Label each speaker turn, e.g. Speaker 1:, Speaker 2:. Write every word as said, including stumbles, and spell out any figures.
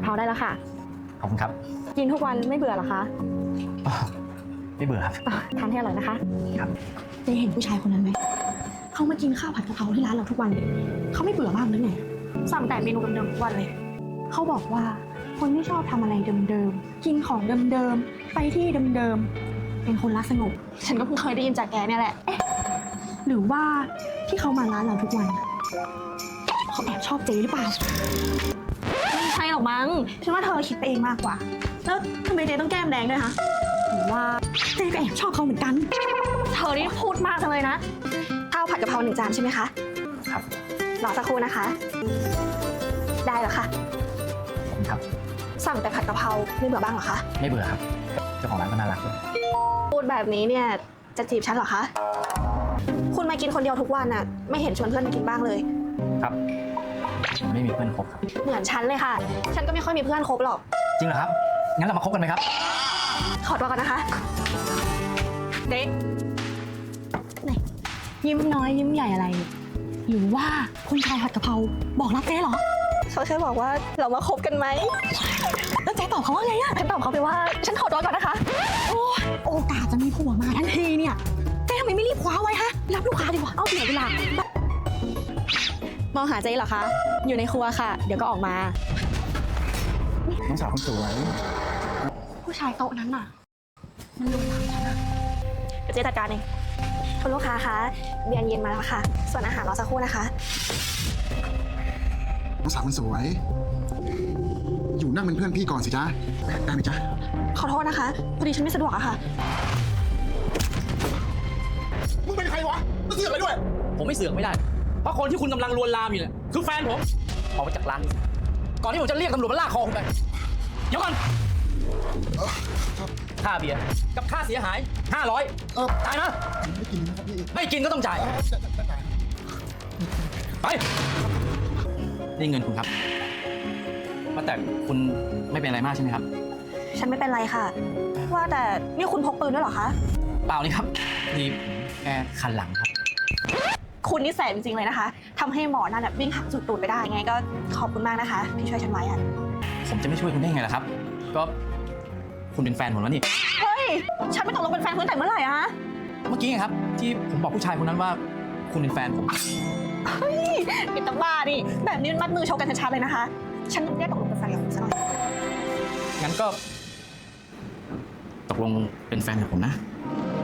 Speaker 1: ะเพราได้แล้วค่ะ
Speaker 2: ขอบคุณครับ
Speaker 1: กินทุกวันไม่เบื่อหรอคะ
Speaker 2: อ๋อไม่เบื่อครับ
Speaker 1: ทานให้อร่อยนะคะ
Speaker 2: ครับ
Speaker 1: เจ๊เห็นผู้ชายคนนั้นไหม เขามากินข้าวผัดกะเพราที่ร้านเราทุกวันเลยเขาไม่เบื่อบ้างหรือไง สั่งแต่เมนูเดิมๆทุกวันเลย เขาบอกว่าคนที่ชอบทำอะไรเดิมๆ กินของเดิมๆ ไปที่เดิมๆ เป็นคนรักสงบ ฉันก็เพิ่งเคยได้ยินจากแกเนี่ยแหละ เอ๊ะ หรือว่าที่เขามาร้านเราทุกวันเขาแอบชอบเจ๊หรือเปล่า ไม่ใช่หรอกมั้ง ฉันว่าเธอคิดไปเองมากกว่า แล้วทำไมเจ๊ต้องแก้มแดงด้วยคะหรือว่าเจ๊ก็แอบชอบเขาเหมือนกัน เธอนี่พูดมากจังเลยนะ ข้าวผัดกะเพราหนึ่งจานใช่ไหมคะ
Speaker 2: ครับ
Speaker 1: รอสักครู่นะคะ ได้แล้วค่ะ
Speaker 2: ขอบคุณครับ
Speaker 1: สั่งแต่ผัดกะเพราไม่เบื่อบ้างเหรอคะ
Speaker 2: ไม่เบื่อครับ เจ้าของร้านก็น่ารักด้วย
Speaker 1: พูดแบบนี้เนี่ยจะจีบฉันเหรอคะ คุณมากินคนเดียวทุกวันน่ะไม่เห็นชวนเพื่อนมากินบ้างเลย
Speaker 2: ครับผมไม่มีเพื่อนคบครับ
Speaker 1: เหมือนฉันเลยค่ะ ฉันก็ไม่ค่อยมีเพื่อนคบหรอก
Speaker 2: จริงเหรอครับ งั้นเรามาคบกันไหมครับ
Speaker 1: ขอตัวก่อนนะคะเด็กไหนยิ้มน้อยยิ้มใหญ่อะไรเนี่ยหรือว่าคุณชายผัดกะเพราบอกรักเจ๊เหรอเขาแค่บอกว่าเรามาคบกันไหมแล้วเจ๊ตอบเขาว่าไงอะฉันตอบเขาไปว่าฉันขอตัวก่อนนะคะโอ้ยโอกาสจะมีผัวมาทันทีเนี่ยเจ๊ทำไมไม่รีบคว้าไว้ฮะรับลูกค้าดีกว่าเอาเสียเวลามองหาเจ๊เหรอคะอยู่ในครัวค่ะ เดี๋ยวก็ออกมา
Speaker 2: น้องสาวคนสวย
Speaker 1: ผู้ชายโต๊ะนั้นน่ะมันลวนลามฉันอะเดี๋ยวเจ๊จัดการเองคุณลูกค้าคะเบียร์เย็นมาแล้วค่ะ ส่วนอาหารรอสักครู่นะคะ
Speaker 3: น้องสาวคนสวย อยู่นั่งเป็นเพื่อนพี่ก่อนสิจ๊ะได้ไหมจ๊ะ
Speaker 1: ขอโทษนะคะพอดีฉันไม่สะดวกอะค่ะ
Speaker 3: มึงเป็นใครวะมาเสือกอะไรด้วย
Speaker 4: ผมไม่เสือกไม่ได้ เพราะคนที่คุณกำลังลวนลามอยู่เนี่ยคือแฟนผม ออกไปจากร้านนี้ก่อนที่ผมจะเรียกตำรวจมาลากคอคุณไป เดี๋ยวก่อนค่าเบียร์กับค่าเสียหายห้าร้อย
Speaker 3: เออ
Speaker 4: จ่ายนะ
Speaker 3: ไม่กินนะครับพี่
Speaker 4: ไม่กินก็ต้องจ่าย ไป นี่เงินคุณครับว่าแต่คุณไม่เป็นอะไรมากใช่ไหมครับ
Speaker 1: ฉันไม่เป็นไรค่ะ ว่าแต่นี่คุณพกปืนด้วยเหรอคะ
Speaker 4: เปล่านี่ครับนี่แค่คันหลังครับ
Speaker 1: คุณนี่แสบจริงๆเลยนะคะทำให้หมอนั่นวิ่งหักจุดตูดไปได้ไงก็ขอบคุณมากนะคะที่ช่วยฉันไว้อะ
Speaker 4: ผมจะไม่ช่วยคุณได้ไงล่ะครับ ก็คุณเป็นแฟนผมแล้วนี่
Speaker 1: เฮ้ยฉันไม่ตกลงเป็นแฟนคุณแต่เมื่อไหร่อะ
Speaker 4: เมื่อกี้ไงครับที่ผมบอกผู้ชายคนนั้นว่าคุณเป็นแฟนผม
Speaker 1: เฮ้ยปิดตาบ้าดิแบบนี้มันมัดมือชกกันชัดๆเลยนะคะ ฉันไม่ได้ตกลงเป็นแฟนกับคุณซะหน่อย
Speaker 4: งั้นก็ ตกลงเป็นแฟนกับผมนะ
Speaker 1: ไ